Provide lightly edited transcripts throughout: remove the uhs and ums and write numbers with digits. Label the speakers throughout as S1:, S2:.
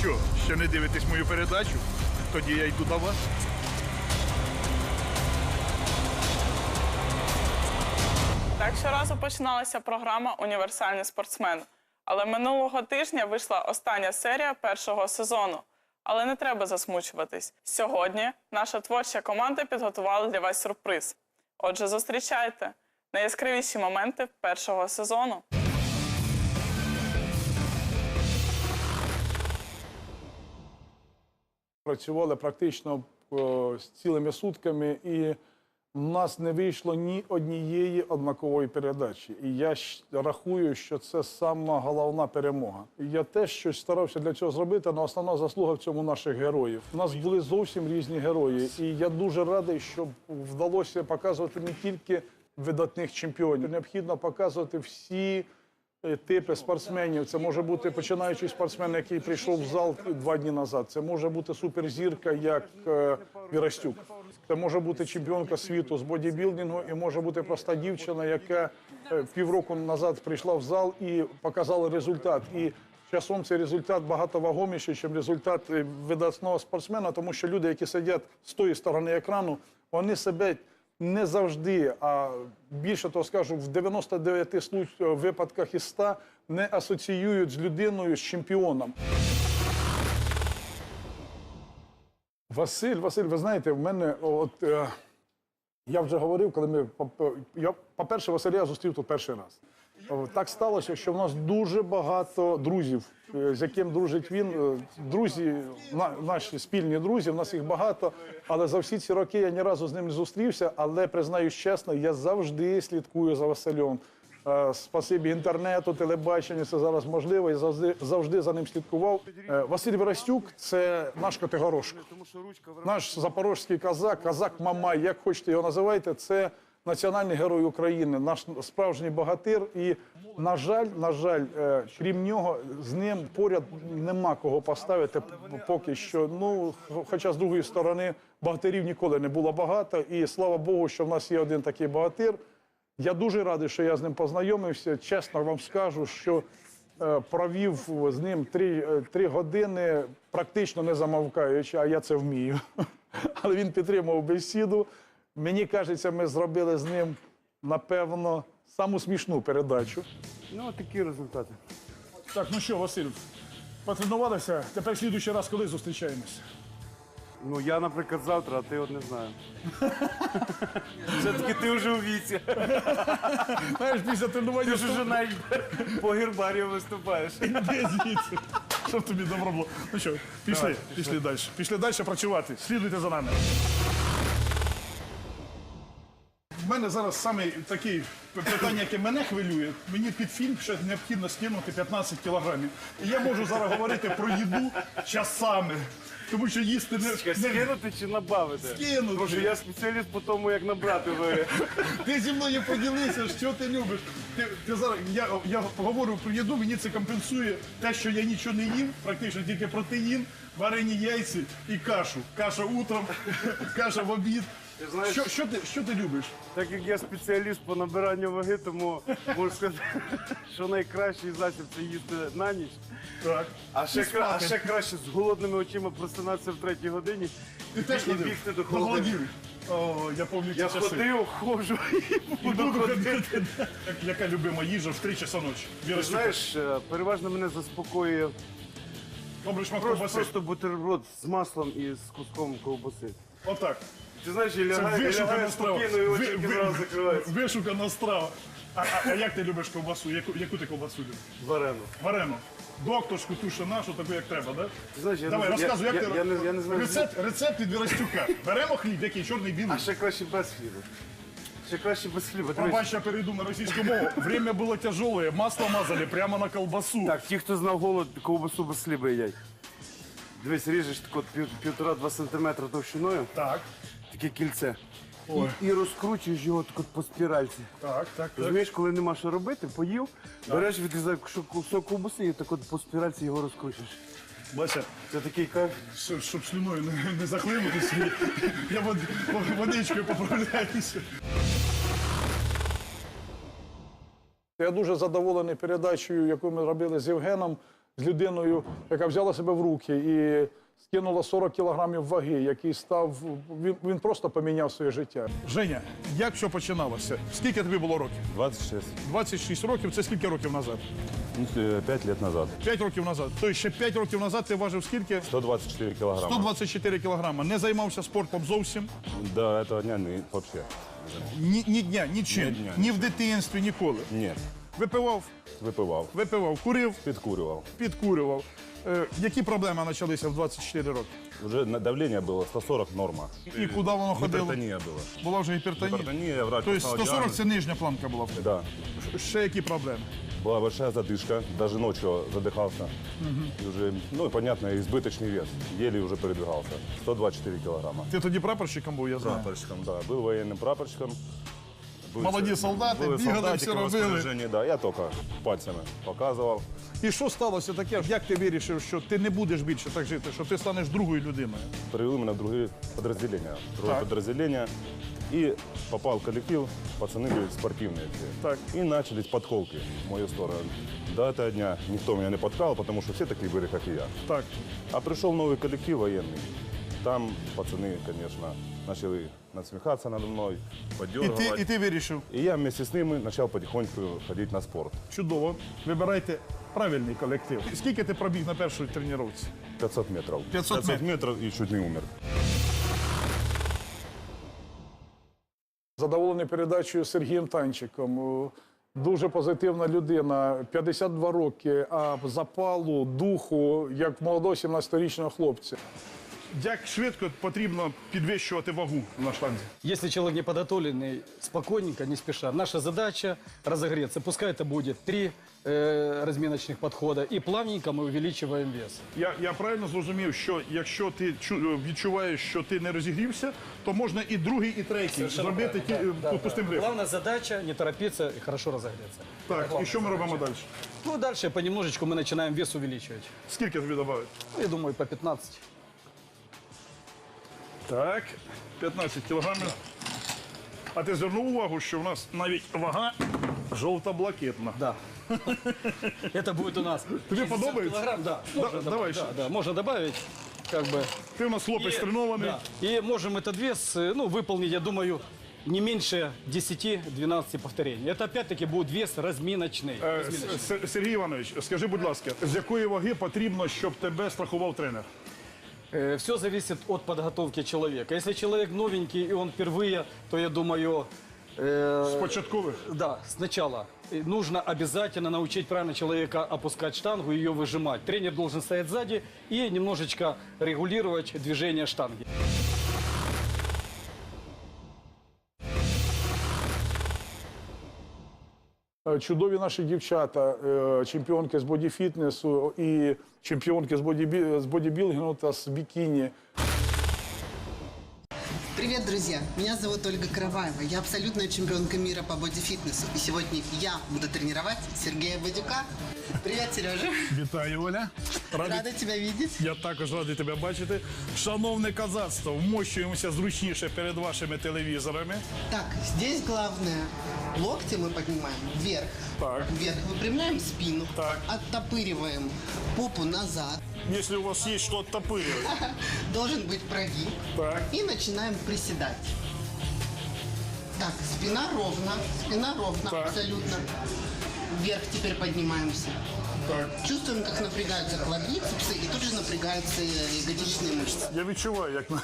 S1: що, ще не дивитесь мою передачу? Тоді я йду до вас.
S2: Так щоразу починалася програма «Універсальний спортсмен». Але минулого тижня вийшла остання серія першого сезону. Але не треба засмучуватись. Сьогодні наша творча команда підготувала для вас сюрприз. Отже, зустрічайте найяскравіші моменти першого сезону.
S3: Працювали практично з цілими сутками, і в нас не вийшло ні однієї однакової передачі. І я рахую, що це сама головна перемога. І я теж щось старався для цього зробити, але основна заслуга в цьому наших героїв. У нас були зовсім різні герої, і я дуже радий, що вдалося показувати не тільки видатних чемпіонів. Необхідно показувати всі типи спортсменів. Це може бути починаючий спортсмен, який прийшов в зал 2 дні назад. Це може бути суперзірка, як Вірастюк. Це може бути чемпіонка світу з бодібілдингу, і може бути проста дівчина, яка півроку назад прийшла в зал і показала результат. І часом цей результат багато вагоміший, ніж результат видатного спортсмена, тому що люди, які сидять з тої сторони екрану, вони себе не завжди, а більше того скажу, в 99 випадках із 100 не асоціюють з людиною, з чемпіоном. Василь, ви знаєте, в мене, я вже говорив, коли ми, по-перше, Василя я зустрів тут перший раз. Так сталося, що в нас дуже багато друзів, з яким дружить він. Друзі, наші спільні друзі, в нас їх багато, але за всі ці роки я ні разу з ним не зустрівся, але, признаюсь чесно, я завжди слідкую за Василем. Спасибі інтернету, телебаченню, це зараз можливо, я завжди за ним слідкував. Василь Вірастюк – це наш Котигорошко, наш запорозький козак Мамай, як хочете його називайте, це національний герой України, наш справжній богатир. І, на жаль, крім нього, з ним поряд нема кого поставити поки що. Ну, хоча, з другої сторони, богатирів ніколи не було багато, і слава Богу, що в нас є один такий богатир. Я дуже радий, що я з ним познайомився. Чесно вам скажу, що провів з ним 3 години, практично не замовкаючи, а я це вмію. Але він підтримував бесіду. Мені кажеться, ми зробили з ним, напевно, саму смішну передачу.
S4: Ну, такі результати.
S1: Так, ну що, Василь, потренувалися? Тепер слідуючий раз коли зустрічаємось?
S4: Ну, я, наприклад, завтра, а ти от не знаю. Все-таки ти вже у віці.
S1: Знаєш, після тренування...
S4: Ти ж уже навіть по гербарію виступаєш.
S1: Іди звідси, щоб тобі добро було. Ну що, пішли далі. Пішли далі працювати. Слідуйте за нами. У мене зараз саме таке питання, яке мене хвилює. Мені під фільм ще необхідно скинути 15 кілограмів. І я можу зараз говорити про їду часами. Тому що їсти не...
S4: Скинути чи набавити?
S1: Скинути.
S4: Тому що я спеціаліст по тому, як набрати ваги.
S1: Ти зі мною поділися, що ти любиш. Ти зараз, я говорю про їду, мені це компенсує те, що я нічого не їм, практично тільки протеїн, варені яйці і кашу. Каша утром, каша в обід. Що ти любиш?
S4: Так як я спеціаліст по набиранню ваги, тому можу сказати, що найкращий засіб – це їсти на ніч.
S1: Так.
S4: А ще краще з голодними очима просинатися в 3-й годині
S1: Ти теж ходив?
S4: бігти до
S1: До
S4: холодильника.
S1: О, я пам'ятаю ці
S4: Я
S1: часи.
S4: ходив, ходжу і буду ходити.
S1: Яка любима їжа в 3 часа ночі?
S4: Ти знаєш, переважно мене заспокоює
S1: Добре шмат ковбаси.
S4: просто бутерброд з маслом і з куском ковбаси.
S1: Отак.
S4: Ти знаєш, я
S1: Це
S4: лягаю
S1: вишукана страва.
S4: спокійно і очі одразу закриваються.
S1: Вишукана страва. А як ти любиш ковбасу? Яку ти ковбасу любиш?
S4: Варену.
S1: Варену. Докторську, ту, що нашу, таку, як треба, так?
S4: Ти знаєш,
S1: Давай, розказуй, як ти...
S4: я не знаю.
S1: Рецепт від Вірастюка. Беремо хліб, який, чорний, білий.
S4: А ще краще без хліба. Ще краще без хліба. Дивись.
S1: Пробач, я перейду на російську мову. Время было тяжелое, масло мазали прямо на колбасу.
S4: Так, ті, хто знав голод, ковбасу без хліба їдять. Дивись, ріжеш так от 1,5-2 сантиметра товщиною,
S1: Так,
S4: таке кільце. І розкручуєш його так от по спіральці.
S1: так.
S4: Розумієш, коли нема що робити, поїв, береш, відрізаєш кусок ковбаси і так от по спіральці його розкручуєш.
S1: Бася,
S4: Це такий кайф.
S1: щоб слюною не захлинутися, я водичкою поправляюся. Я дуже задоволений передачею, яку ми робили з Євгеном.
S3: з людиною, яка взяла себе в руки і скинула 40 кілограмів ваги, який став, він просто поміняв своє життя.
S1: Женя, як все починалося? Скільки тобі було років?
S5: 26.
S1: 26 років, це скільки років назад?
S5: 5 лет назад.
S1: 5 років назад. Тобто ще 5 років назад ти важив скільки?
S5: 124 килограмма.
S1: 124 кілограма. Не займався спортом зовсім?
S5: До этого дня вообще.
S1: Ні дня, нічим.
S5: Ні дня,
S1: Ні в дитинстві, ніколи.
S5: Нет.
S1: Випивав,
S5: Выпивал.
S1: курив,
S5: Підкурював.
S1: підкурював. Які проблеми почалися в 24 роки?
S5: Уже давление было 140 норма.
S1: І куди воно ходило?
S5: Гипертония была.
S1: Була вже гіпертонія?
S5: Гипертония, врач
S1: Тобто
S5: поставил
S1: 140
S5: диагноз.
S1: це нижня планка була.
S5: Да.
S1: Ще які проблеми?
S5: Была большая задышка, даже ночью задыхался. И уже, ну и понятно, избыточный вес. Еле уже передвигался. 124 килограмма.
S1: Ти тоді прапорщиком був, я знаю.
S5: Прапорщиком, да. Был военным прапорщиком.
S1: Молоді солдати,
S5: Были
S1: бігали,
S5: солдатики
S1: все
S5: в
S1: робили.
S5: розпорядженні, да. Я только пальцами показывал.
S1: І що сталося таке? Як ти вирішив, що ти не будеш більше так жити, що ти станеш другою людиною?
S5: Привели меня в другие подразделения. Другое
S1: Так.
S5: подразделение. И попал в коллектив, пацаны были спортивные все.
S1: Так.
S5: И начались подколки в мою сторону. До этого дня никто меня не подкал, потому что все такие были, как и я.
S1: Так.
S5: А пришел новый коллектив военный. Там пацаны, конечно, начали насмехаться надо мной,
S1: І
S5: подергивать.
S1: ти вирішив.
S5: И я вместе с ними начал потихоньку ходить на спорт.
S1: Чудово. Вибирайте правильний колектив. Скільки ти пробіг на першій тренуванні?
S5: 500 метров.
S1: 500
S5: метров и чуть не умер.
S3: Задоволений передачею Сергієм Танчиком. Дуже позитивна людина, 52 роки, а запалу, духу, як молодого 17-річного хлопця.
S1: Як швидко потрібно підвищувати вагу на штанзі?
S6: Если человек не подготовленный, спокойненько, не спеша. Наша задача разогреться. Пускай это будет 3 разминочных подхода. И плавненько мы увеличиваем вес.
S1: Я правильно зрозумів, що якщо ти відчуваєш, що ти не розігрівся, то можна і другий, і третій зробити пустим грифом.
S6: Главная задача не торопиться и хорошо разогреться.
S1: Так, і що ми робимо далі?
S6: Ну, дальше понемножечку мы начинаем вес увеличивать.
S1: Скільки тобі додати?
S6: Ну, я думаю, по 15.
S1: Так, 15 кілограмів. А ти звернув увагу, що в нас навіть вага жовто-блакитна.
S6: Да. Это будет у нас.
S1: Тебе
S6: 60
S1: подобается?
S6: килограмм, да. Можно
S1: давай
S6: добавить,
S1: еще.
S6: да, можно добавить, как бы.
S1: Ти у нас хлопець тренований.
S6: Да. И можем этот вес, ну, выполнить, я думаю, не меньше 10-12 повторений. Это опять-таки будет вес разминочный.
S1: Сергій Іванович, скажи, будь ласка, з якої ваги потрібно, щоб тебе страхував тренер?
S6: Все зависит от подготовки человека. Если человек новенький и он впервые, то я думаю,
S1: З початкових?
S6: да, сначала нужно обязательно научить правильно человека опускать штангу и ее выжимать. Тренер должен стоять сзади и немножечко регулировать движение штанги.
S3: Чудові наші дівчата, чемпіонки з бодіфітнесу і чемпіонки з бодібілдингу та з бікіні.
S7: Привет, друзья! Меня зовут Ольга Караваева. Я абсолютная чемпионка мира по бодифитнесу. И сегодня я буду тренировать Сергея Бадюка. Привет, Сережа!
S1: Вітаю, Оля.
S7: Рада тебя видеть.
S1: Я також радий тебе бачити. Шановне козацтво, вмощуємося зручніше перед вашими телевізорами.
S7: Так, здесь главное. Локти мы поднимаем вверх.
S1: Так.
S7: Вверх выпрямляем спину.
S1: Так.
S7: Оттопыриваем попу назад.
S1: Якщо у вас є що оттопирювати.
S7: Должен быть прогиб.
S1: Так.
S7: И начинаем приседать. Так, спина ровно,
S1: Так.
S7: абсолютно. Вверх теперь поднимаемся.
S1: Так.
S7: Чувствуем, как напрягаются квадрицепсы и тут же напрягаются ягодичные мышцы.
S1: Я відчуваю, як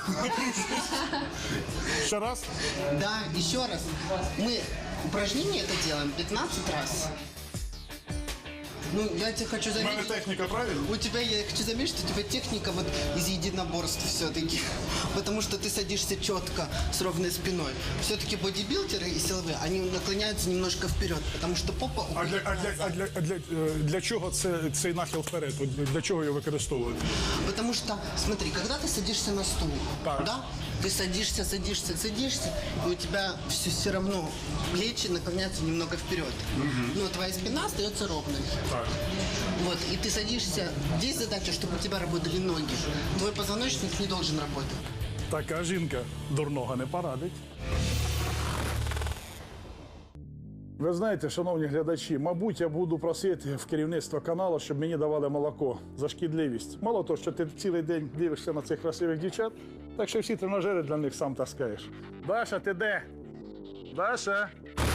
S1: ще раз.
S7: Да, еще раз. Мы упражнение это делаем 15 раз. Ну, я тебе хочу
S1: У мене
S7: заметить.
S1: техніка правильна?
S7: У тебя, я хочу заметить, что у тебя техника вот из единоборств все-таки. Потому что ты садишься четко, с ровной спиной. Все-таки бодибилдеры и силовые, они наклоняются немножко вперед, потому что попа...
S1: Для чого цей нахил вперед? От для чого його використовують?
S7: Потому что, смотри, когда ты садишься на стул,
S1: Так.
S7: да, ты садишься, и у тебя все равно плечи наклоняются немного вперед. Но твоя спина остается ровной.
S1: Так.
S7: Вот, и ты садишься, здесь задача, чтобы у тебя работали ноги. Твой позвоночник не должен работать.
S1: Така жінка дурного не порадить.
S3: Ви знаєте, шановні глядачі, мабуть, я буду просити в керівництво каналу, щоб мені давали молоко за шкідливість. Мало того, що ти цілий день дивишся на цих красивих дівчат, так що всі тренажери для них сам таскаєш. Даша, ти де? Даша?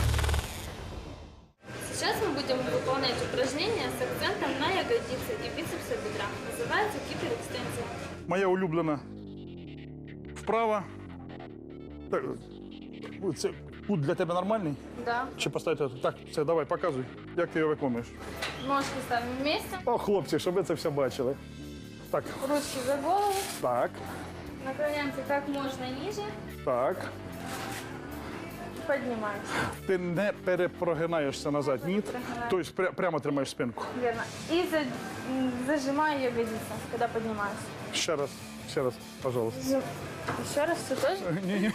S8: Сейчас мы будем выполнять упражнения с акцентом на ягодицы и бицепсы бедра. Называется гиперэкстензия.
S3: Моя улюблена вправа. Так, це кут для тебе нормальний?
S8: Да.
S3: Чи поставити? Так, все, давай, показуй, як ти його виконуєш.
S8: Ножки ставим вместе,
S3: О, хлопці, щоб ви це все бачили. Так,
S8: ручки за голову,
S3: так,
S8: наклоняемся как можно ниже,
S3: так.
S8: поднимаемся.
S3: Ти не перепрогинаєшся назад, ні?
S8: Прогинаю.
S3: Тобто прямо тримаєш спинку.
S8: Верно. И зажимаю ягодицы, когда поднимаюсь.
S3: Ще раз, пожалуйста.
S8: Еще раз все тоже.
S3: Ні.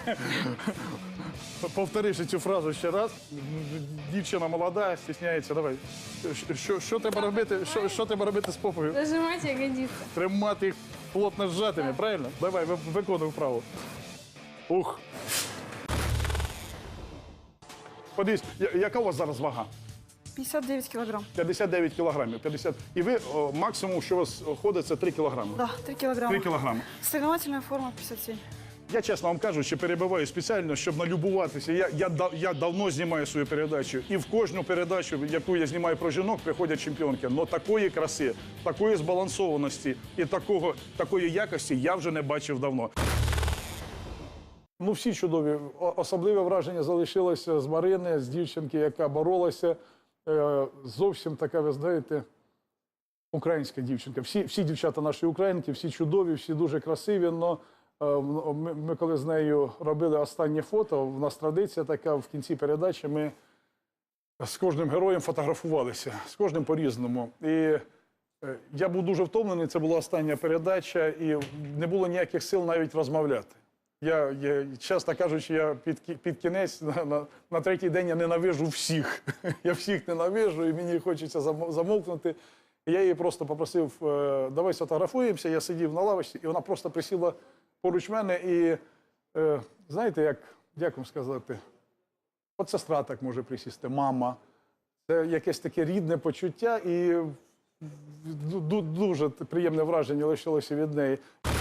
S3: Повтори ще цю фразу ще раз. Дівчина молода, стісняється. Давай. Що треба робити? Що треба робити з попою?
S8: Зажимать ягодицы.
S3: Тримати їх плотно зжатими, правильно? Давай, виконуй вправо. Ух. Подивись, яка у вас зараз вага?
S9: 59 килограмм.
S3: 59 кілограмів. 50. І ви максимум, що у вас ходить, це 3 кілограми.
S9: Да, 3 килограмма.
S3: 3 кілограми.
S9: Соревновательная форма 57.
S3: Я, чесно вам кажу, що перебиваю спеціально, щоб налюбуватися. Я давно знімаю свою передачу. І в кожну передачу, яку я знімаю про жінок, приходять чемпіонки. Но такої краси, такої збалансованості і такої якості я вже не бачив давно. Ну, всі чудові. Особливе враження залишилося з Марини, з дівчинки, яка боролася. Зовсім така, ви знаєте, українська дівчинка. Всі дівчата наші українки, всі чудові, всі дуже красиві, але ми коли з нею робили останнє фото, в нас традиція така, в кінці передачі ми з кожним героєм фотографувалися, з кожним по-різному. І я був дуже втомлений, це була остання передача, і не було ніяких сил навіть розмовляти. Я чесно кажучи, я під кінець, на третій день я ненавижу всіх. Я всіх ненавижу, і мені хочеться замовкнути. І я її просто попросив, давай сфотографуємося, я сидів на лавочці, і вона просто присіла поруч мене. І знаєте, як вам сказати, от сестра так може присісти, мама. Це якесь таке рідне почуття, і дуже приємне враження лишилося від неї.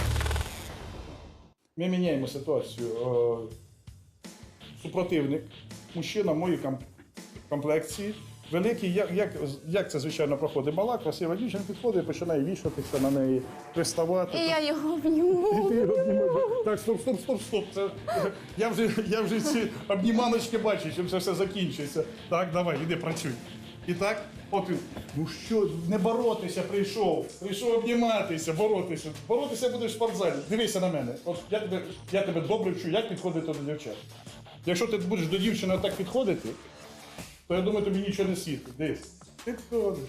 S3: Ми міняємо ситуацію. Супротивник, мужчина в моїй комплекції, великий, як це, звичайно, проходить? Мала, красива дівчина підходить і починає вішатися на неї, приставати.
S8: И я его обниму.
S3: І ти його обнімаєш. Так, стоп. Я вже ці обніманочки бачу, чим це все закінчується. Так, давай, іди, працюй. І так, от він, ну що, не боротися прийшов обніматися, боротися. Боротися будеш в спортзалі. Дивися на мене. От я тебе добре вчу, як підходити до дівчат. Якщо ти будеш до дівчини так підходити, то я думаю, тобі нічого не світить. Дивись. Підходиш.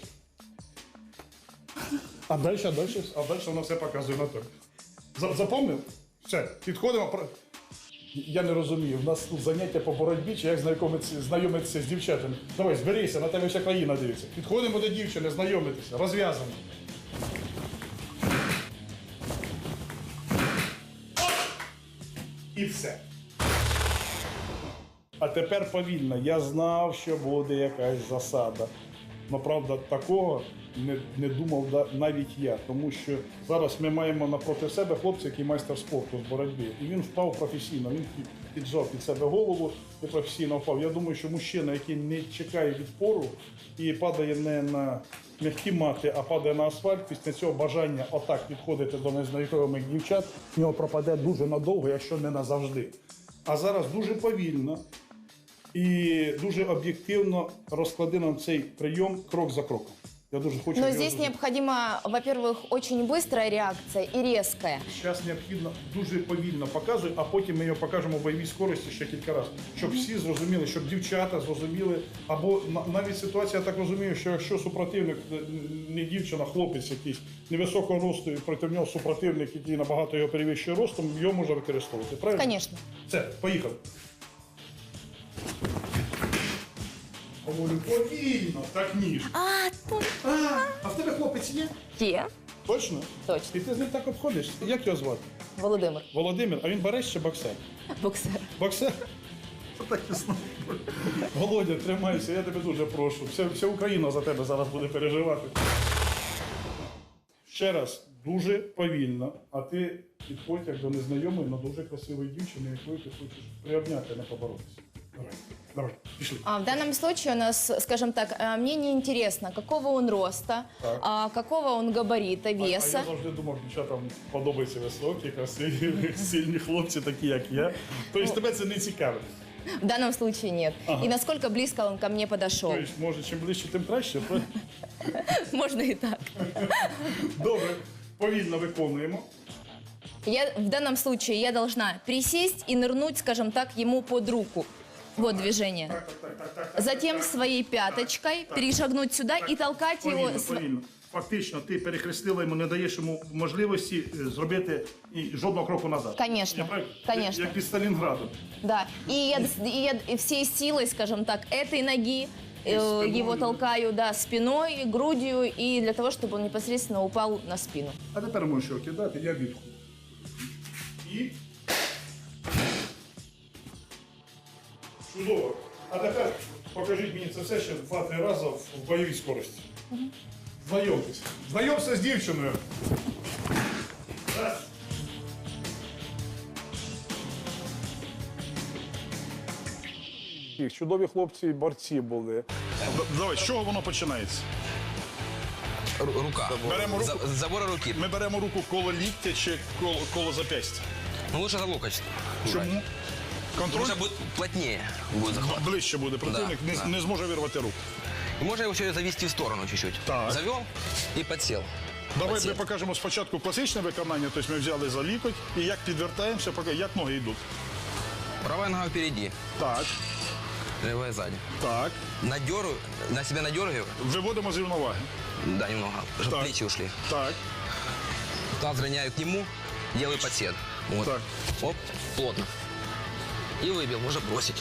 S3: А далі воно все показує на то. Запомнив? Все, підходимо. Я не розумію, в нас тут заняття по боротьбі, чи як знайомитися з дівчатами. Давай, зберися, на тебе вся країна дивиться. Підходимо до дівчини, знайомитися, розв'язано. І все. А тепер повільно. Я знав, що буде якась засада. Но, правда, такого не думав навіть я, тому що зараз ми маємо напроти себе хлопця, який майстер спорту з боротьби. І він впав професійно, він піджав під себе голову і професійно впав. Я думаю, що мужчина, який не чекає відпору і падає не на м'які мати, а падає на асфальт, після цього бажання отак підходити до незнайомих дівчат, в нього пропаде дуже надовго, якщо не назавжди. А зараз дуже повільно і дуже об'єктивно розкладено цей прийом крок за кроком. Я дуже хочу.
S10: Но здесь необходима, во-первых, очень быстрая реакция и резкая.
S3: Зараз необхідно дуже повільно показувати, а потім ми його покажемо в бойовій скорості ще кілька разів. Щоб всі зрозуміли, щоб дівчата зрозуміли. Або навіть ситуація, я так розумію, що якщо супротивник, не дівчина, хлопець якийсь невисокого росту, і проти нього супротивник, який набагато його перевищує ростом, його можна використовувати. Правильно?
S10: Конечно.
S3: Все, поїхали. Говорю, повільно, так ніж. А в тебе хлопець є?
S10: Є.
S3: Точно?
S10: Точно.
S3: І ти з ним так обходиш? Як його звати?
S10: Володимир.
S3: Володимир, а він бареш чи боксер?
S10: Боксер.
S3: Боксер?
S1: Так і знаю. Володя, тримайся, я тебе дуже прошу. Вся Україна за тебе зараз буде переживати. Ще раз, дуже повільно, а ти підходь як до незнайомої, але дуже красивої дівчини, якою ти хочеш приобняти, не поборотися. Давай, пішли.
S10: В данном случае у нас, скажем так, мне не интересно, какого он роста, какого он габарита,
S1: А
S10: веса.
S1: я завжди думав, дівчатам подобаються високі, красиві, сильні хлопці, такі як я. Тобто тебе це не цікавить.
S10: В данном случае нет. И насколько близко он ко мне подошел.
S1: Тобто, може, чим ближче, тим краще.
S10: Можно и так.
S1: Добре, повільно виконуємо.
S10: В данном случае я должна присесть и нырнуть, скажем так, ему под руку. Вот движение. Затем своей пяточкой перешагнуть сюда и толкать его.
S1: Повільно. Фактично, ти перехрестила йому, не даєш йому можливості зробити жодного кроку назад.
S10: Конечно,
S1: Я правильно?
S10: конечно.
S1: Як під Сталінградом.
S10: Да. И я всей силой, скажем так, этой ноги его толкаю, да, спиной, грудью, и для того, чтобы он непосредственно упал на спину.
S1: А тепер можеш його кидати, я відху. І... Чудово. А тепер покажіть мені це все ще 2-3 рази в бойовій скорості. Знайомтесь. Знайомся з дівчиною. Раз.
S3: Чудові хлопці, борці були.
S1: Давай, з чого воно починається?
S11: Рука.
S1: Беремо руку.
S11: Забора руки.
S1: Ми беремо руку коло ліктя чи коло зап'ястя?
S11: Ну, лучше за локоть.
S1: Чому? Контроль
S11: Лучше будет плотнее будет захват.
S1: ближче буде. Противник
S11: Да.
S1: не зможе вирвати руку.
S11: И можно его еще завести в сторону чуть-чуть.
S1: Так.
S11: Завел и подсел.
S1: Давай
S11: Подсел.
S1: ми покажемо спочатку класичне виконання, тобто ми взяли за лікоть і як підвертаємося, як ноги йдуть.
S11: Правая нога впереди,
S1: Так,
S11: левая сзади.
S1: так.
S11: На себя надергиваю.
S1: Виводимо з рівноваги.
S11: Да, немного. Чтобы
S1: Так.
S11: плечи ушли.
S1: Так,
S11: Таз роняю к нему, делаю подсед. Вот.
S1: так.
S11: Оп, плотно. И выбил, можно бросить.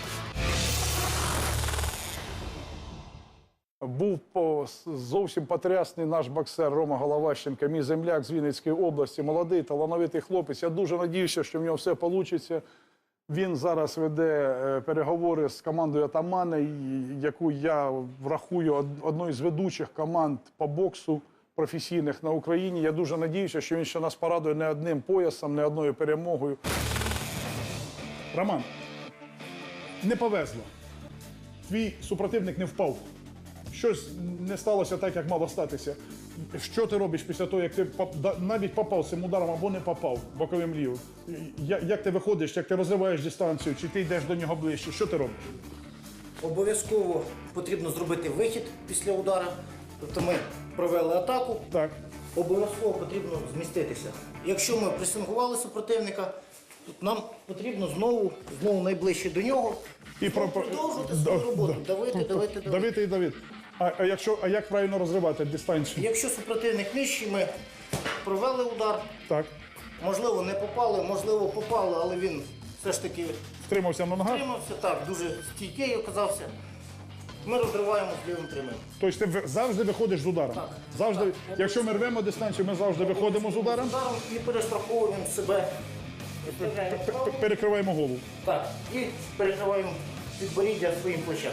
S3: Був зовсім потрясний наш боксер Рома Головащенко, мій земляк з Вінницької області, молодий, талановитий хлопець. Я дуже надіюся, що в нього все вийде. Він зараз веде переговори з командою «Атамана», яку я врахую одною з ведучих команд по боксу професійних на Україні. Я дуже надіюся, що він ще нас порадує не одним поясом, не одною перемогою.
S1: Роман, не повезло. Твій супротивник не впав. Щось не сталося так, як мало статися. Що ти робиш після того, як ти навіть попав цим ударом або не попав боковим лівим? Як ти виходиш, як ти розриваєш дистанцію, чи ти йдеш до нього ближче? Що ти робиш?
S12: Обов'язково потрібно зробити вихід після удару. Тобто ми провели атаку,
S1: Так.
S12: обов'язково потрібно зміститися. Якщо ми пресингували супротивника, то нам потрібно знову найближче до нього
S1: І
S12: продовжувати свою роботу. Давити.
S1: Давити і давити. А як правильно розривати дистанцію?
S12: Якщо супротивник нижчий, ми провели удар,
S1: Так.
S12: можливо не попали, можливо попали, але він все ж таки
S1: Втримався на ногах?
S12: втримався, так, дуже стійкий оказався. Ми розриваємо з лівим прямим.
S1: Тобто ти завжди виходиш з ударом?
S12: Так.
S1: Завжди, якщо ми рвемо дистанцію, ми завжди виходимо з ударом,
S12: І перестраховуємо себе.
S1: перекриваємо голову.
S12: Так, і перекриваємо підборіддя своїм плечем.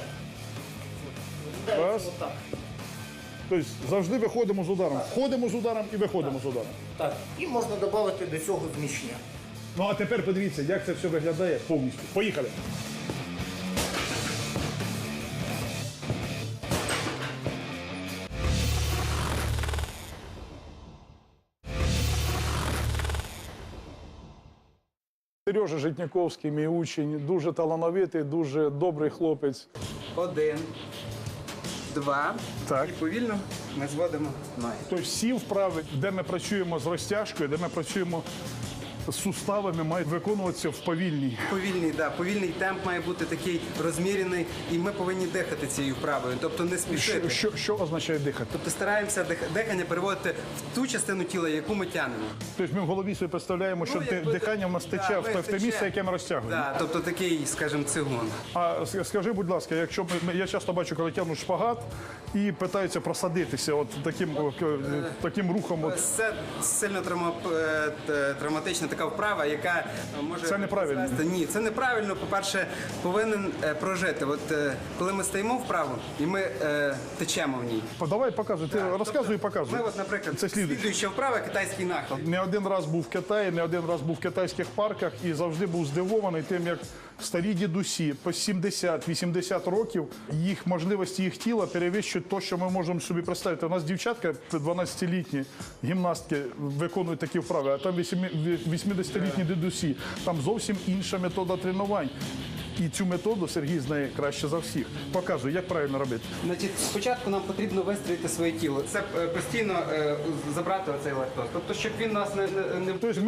S1: Раз.
S12: Отак.
S1: Тобто завжди виходимо з ударом. Входимо з ударом і виходимо з ударом.
S12: Так. І можна додати до цього зміщення.
S1: Ну а тепер подивіться, як це все виглядає повністю. Поїхали.
S3: Сережа Житніковський, мій учень, дуже талановитий, дуже добрий хлопець.
S13: 1, 2.
S1: Так.
S13: І повільно ми зводимо ноги.
S1: Тобто всі вправи, де ми працюємо з розтяжкою, де ми працюємо з суставами, мають виконуватися в повільній.
S13: Повільний темп має бути такий розмірений, і ми повинні дихати цією вправою, тобто не спішити.
S1: Що означає дихати?
S13: Тобто стараємося дихання переводити в ту частину тіла, яку ми тягнемо.
S1: Тобто ми в голові собі представляємо, що дихання в нас тече в те місце, яке ми розтягуємо.
S13: Так, тобто такий, скажімо, цигун.
S1: А скажи, будь ласка, якщо я часто бачу, коли тягнуть шпагат і питаються просадитися от таким рухом.
S13: Це сильно травматично, така вправа, яка може...
S3: Це неправильно.
S13: призвести- Ні, це неправильно. По-перше, повинен прожити. От коли ми стоїмо вправо і ми течемо в ній.
S3: Давай показуй, ти розказуй і показуй.
S13: Ми, от, наприклад,
S3: Це слідуюче.
S13: слідуюча вправа китайський нахил.
S3: Не один раз був в Китаї, не один раз був в китайських парках і завжди був здивований тим, як старі дідусі по 70-80 років, їх можливості, їх тіла перевищують те, що ми можемо собі представити. У нас дівчатка 12-літні гімнастки виконують такі вправи, а там 80-літні дідусі. Там зовсім інша метода тренувань. І цю методу Сергій знає краще за всіх. Показує, як правильно робити.
S13: Значить, спочатку нам потрібно вистроїти своє тіло. Це постійно забрати оцей лактоз. Тобто, щоб він нас не
S3: Тобто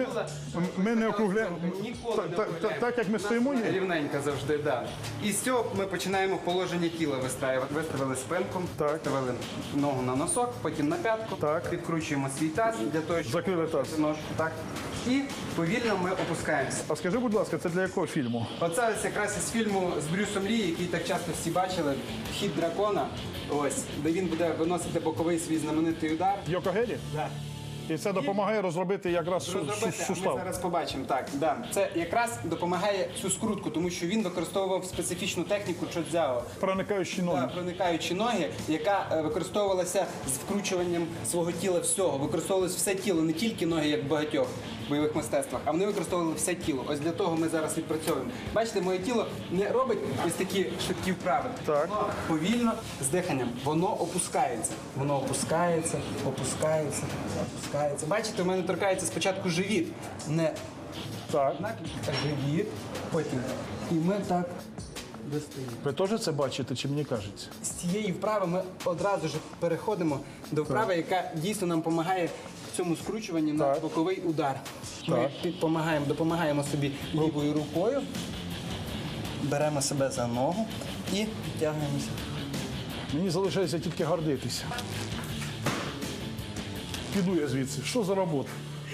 S3: ми не округляємо.
S13: Ніколи не округляємо.
S3: Так, як ми стоїмо, ні?
S13: Рівненько завжди, так. І з цього ми починаємо положення тіла вистраювати. Виставили спинку, виставили ногу на носок, потім на п'ятку, підкручуємо свій таз для того, щоб
S3: Закрили таз.
S13: ножку. Так. І повільно ми опускаємося.
S3: А скажи, будь ласка, це для якого фільму?
S13: Оце ось якраз із фільму з Брюсом Лі, який так часто всі бачили, «Хід дракона», ось, де він буде виносити боковий свій знаменитий удар.
S3: Йокогері?
S13: Так.
S3: І це допомагає розробити якраз
S13: Розробити, а ми
S3: сустав.
S13: зараз побачимо. Так, да. Це якраз допомагає цю скрутку, тому що він використовував специфічну техніку чодзяо.
S3: Проникаючі ноги.
S13: Так, проникаючі ноги, яка використовувалася з вкручуванням свого тіла всього. Використовувалося все тіло, не тільки ноги, як в багатьох бойових мистецтвах, а вони використовували все тіло. Ось для того ми зараз відпрацьовуємо. Бачите, моє тіло не робить ось такі швидкі вправи.
S3: Так.
S13: Воно повільно, з диханням, воно опускається. Воно опускається, опускається, опускається. Бачите, у мене торкається спочатку живіт. Не
S3: Так.
S13: живіт, потім. І ми так достаємо.
S3: Ви теж це бачите, чи мені кажеться?
S13: З цієї вправи ми одразу ж переходимо до вправи, яка дійсно нам допомагає в цьому скручуванні на боковий удар. Ми допомагаємо собі лівою рукою, беремо себе за ногу і тягнемося.
S3: Мені залишається тільки гордитися. Піду я звідси. Що за робота?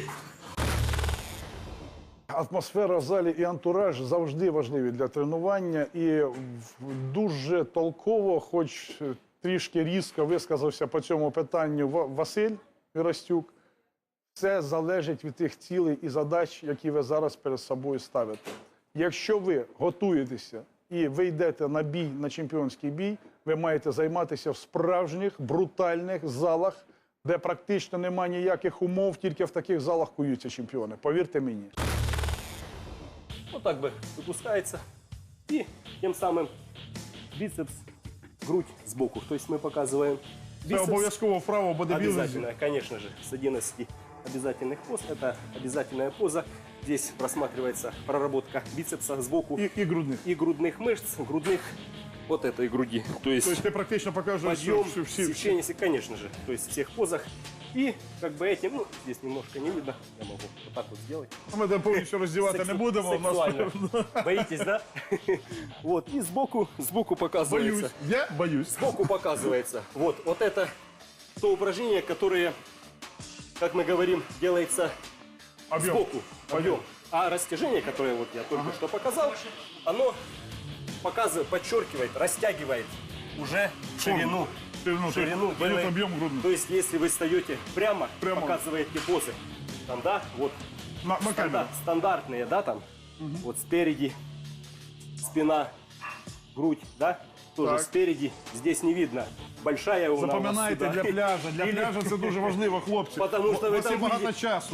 S3: Атмосфера в залі і антураж завжди важливі для тренування. І дуже толково, хоч трішки різко висказався по цьому питанню Василь Вірастюк. Все залежить від тих цілей і задач, які ви зараз перед собою ставите. Якщо ви готуєтеся і ви йдете на бій, на чемпіонський бій, ви маєте займатися в справжніх, брутальних залах, де практично немає ніяких умов, тільки в таких залах куються чемпіони. Повірте мені.
S14: Вот так бы выпускается. И тем самым бицепс, грудь сбоку. То есть мы показываем
S3: Це обов'язково вправо бодибілдинг.
S14: обязательно, конечно же, с 11 обязательных поз. Это обязательная поза. Здесь просматривается проработка бицепса сбоку.
S3: И грудных.
S14: И грудных мышц, грудных вот этой груди. То есть
S3: Тобто ти практично показуєш
S14: подъем,
S3: всі.
S14: сечение, конечно же. То есть в всех позах. И как бы этим, ну, здесь немножко не видно. Я могу вот так вот сделать.
S3: Ми там повністю роздівати не будемо. У нас...
S14: Сексуально. Боитесь, да? Вот, и сбоку показывается.
S3: Боюсь, я боюсь.
S14: Сбоку показывается. Вот это то упражнение, которое, как мы говорим, делается
S3: Объем.
S14: сбоку. Объем. А растяжение, которое вот я только что показал, оно показывает, подчеркивает, растягивает уже ширину.
S3: Дает
S14: делает.
S3: объем грудный.
S14: То есть, если вы встаете прямо, показываете позы. Там, да, вот
S3: На камеру.
S14: стандартные, да, там, вот спереди, спина, грудь, да, тоже
S3: Так.
S14: спереди, здесь не видно. Большая у нас
S3: Запам'ятайте
S14: сюда.
S3: для пляжа. Для пляжа це дуже важливо, хлопці.
S14: Потому що ви
S3: У вас є
S14: там
S3: багато
S14: видите.
S3: часу.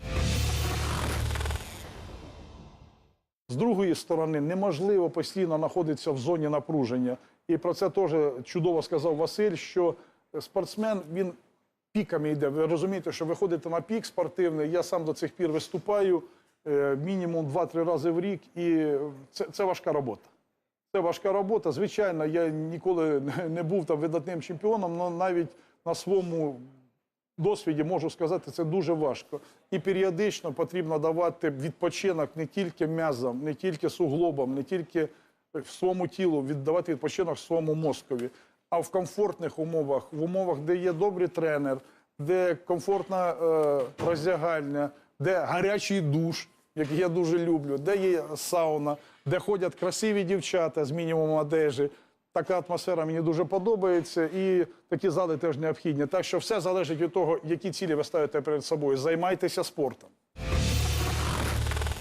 S3: З другої сторони, неможливо постійно знаходитися в зоні напруження. І про це теж чудово сказав Василь, що спортсмен, він піками йде. Ви розумієте, що ви ходите на пік спортивний, я сам до цих пір виступаю мінімум 2-3 рази в рік, і це важка робота. Це важка робота. Звичайно, я ніколи не був там видатним чемпіоном, але навіть на своєму досвіді можу сказати, це дуже важко. І періодично потрібно давати відпочинок не тільки м'язам, не тільки суглобам, не тільки в своєму тілу, віддавати відпочинок своєму мозкові, а в комфортних умовах, в умовах, де є добрий тренер, де комфортна роздягальня, де гарячий душ, який я дуже люблю, де є сауна, де ходять красиві дівчата з мінімумом одежі. Така атмосфера мені дуже подобається, і такі зали теж необхідні. Так що все залежить від того, які цілі ви ставите перед собою. Займайтеся спортом.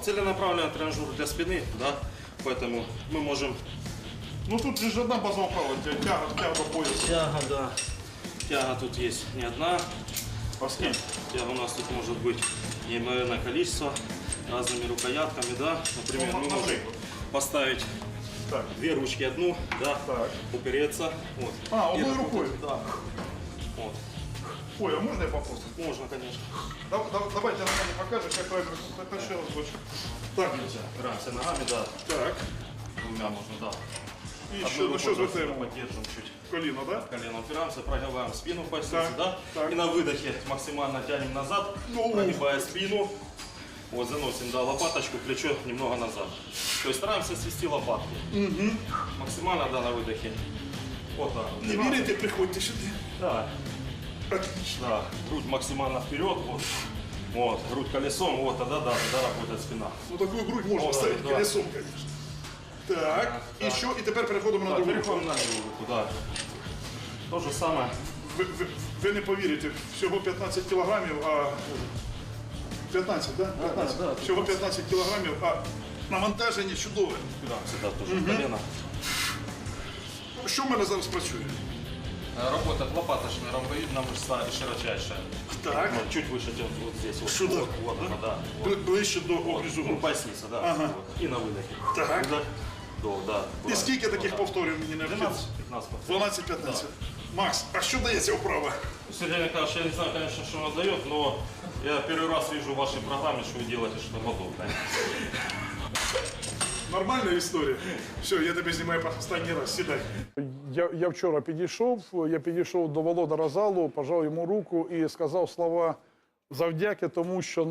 S14: Целенаправленный тренажер для спины, да, поэтому мы можем...
S1: Ну тут же ж одна базова вправа, тяга до пояса.
S14: Тяга, да. Тяга тут есть не одна.
S1: А сколько?
S14: Тяга у нас тут может быть неимоверное количество, разными рукоятками, да. Например, мы можем поставить две ручки, одну, да, упереться. Вот.
S1: А,
S14: И
S1: одной
S14: работать,
S1: рукой?
S14: Да. Вот.
S1: Ой, а можно я попробую?
S14: Можно, конечно.
S1: Давайте на мене покажешь, как правильно. Это еще раз больше. Так,
S14: Опираемся ногами, да.
S1: Так.
S14: Двумя можно, да.
S1: И
S14: Одной
S1: еще,
S14: рукой
S1: что
S14: просто
S1: затем?
S14: поддержим чуть.
S1: Колено, да?
S14: Колено упираемся, прогибаем спину в пояснице,
S1: Так,
S14: да?
S1: так.
S14: И на выдохе максимально тянем назад,
S1: Ну.
S14: прогибая спину. Вот, заносим, да, лопаточку, плечо немного назад. То есть стараемся свести лопатки. Максимально, да, на выдохе. Вот так.
S1: Не верите, приходите сюда.
S14: Да.
S1: Отлично.
S14: Да. Грудь максимально вперед, вот. Вот, грудь колесом, вот, тогда, да, тогда работает спина.
S1: Ну такую грудь можно
S14: Вот,
S1: ставить
S14: да.
S1: колесом, конечно. Так,
S14: Так.
S1: і що? І тепер переходимо на
S14: Да,
S1: другу
S14: переходим
S1: руку.
S14: на левую руку, да. То же самое.
S1: Ви не повірите, всього 15 кілограмів, а 15, да? 15.
S14: да,
S1: Всього 15 кілограмів, а навантаження чудове.
S14: Упираемся, да, тоже колено.
S1: Що в мене зараз працює?
S14: Работает лопаточная ромбовидная мышца и широчайшая.
S1: Так.
S14: Вот, чуть выше, чем вот здесь. Вот,
S1: Сюда?
S14: Вот, вот она, да. Вот.
S1: Ближче до обрізу.
S14: Ну, поясница, да.
S1: Ага.
S14: Вот. И на выдохе.
S1: Так.
S14: Вдох, вдох, да.
S1: І скільки таких повторів мені необхідно?
S14: 12-15 повторів.
S1: 12-15. Макс, а що дає ця вправа?
S14: Сергей Николаевич, я не знаю, конечно, что он дает, но я первый раз вижу в вашей программе, что вы делаете что-то подобное.
S1: Нормальна історія. Все, я тебе знімаю останній раз. Сідай.
S3: Я вчора підійшов до володара залу, пожав йому руку і сказав слова завдяки тому, що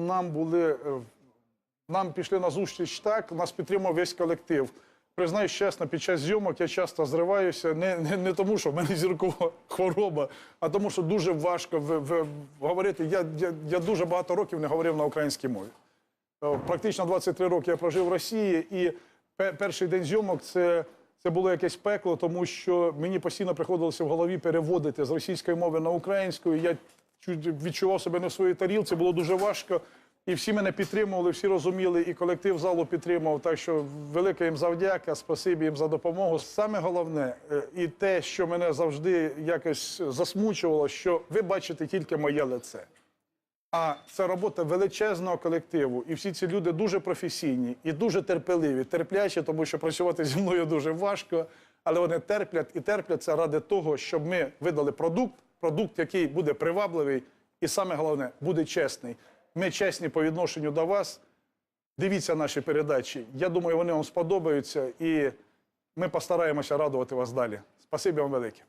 S3: нам пішли на зустріч так, нас підтримав весь колектив. Признаюсь чесно, під час зйомок я часто зриваюся, не тому, що в мене зіркова хвороба, а тому, що дуже важко говорити. Я дуже багато років не говорив на українській мові. Практично 23 роки я прожив в Росії, і перший день зйомок це було якесь пекло, тому що мені постійно приходилося в голові переводити з російської мови на українську, і я відчував себе не в своїй тарілці, було дуже важко. І всі мене підтримували, всі розуміли, і колектив залу підтримав. Так що велика їм завдяка, спасибі їм за допомогу. Саме головне, і те, що мене завжди якось засмучувало, що ви бачите тільки моє лице. А це робота величезного колективу. І всі ці люди дуже професійні і дуже терпеливі, терплячі, тому що працювати зі мною дуже важко. Але вони терплять і терплять це ради того, щоб ми видали продукт, який буде привабливий і, саме головне, буде чесний. Ми чесні по відношенню до вас. Дивіться наші передачі. Я думаю, вони вам сподобаються. І ми постараємося радувати вас далі. Спасибі вам велике.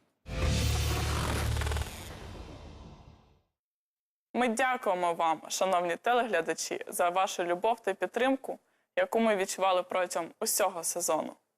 S2: Ми дякуємо вам, шановні телеглядачі, за вашу любов та підтримку, яку ми відчували протягом усього сезону.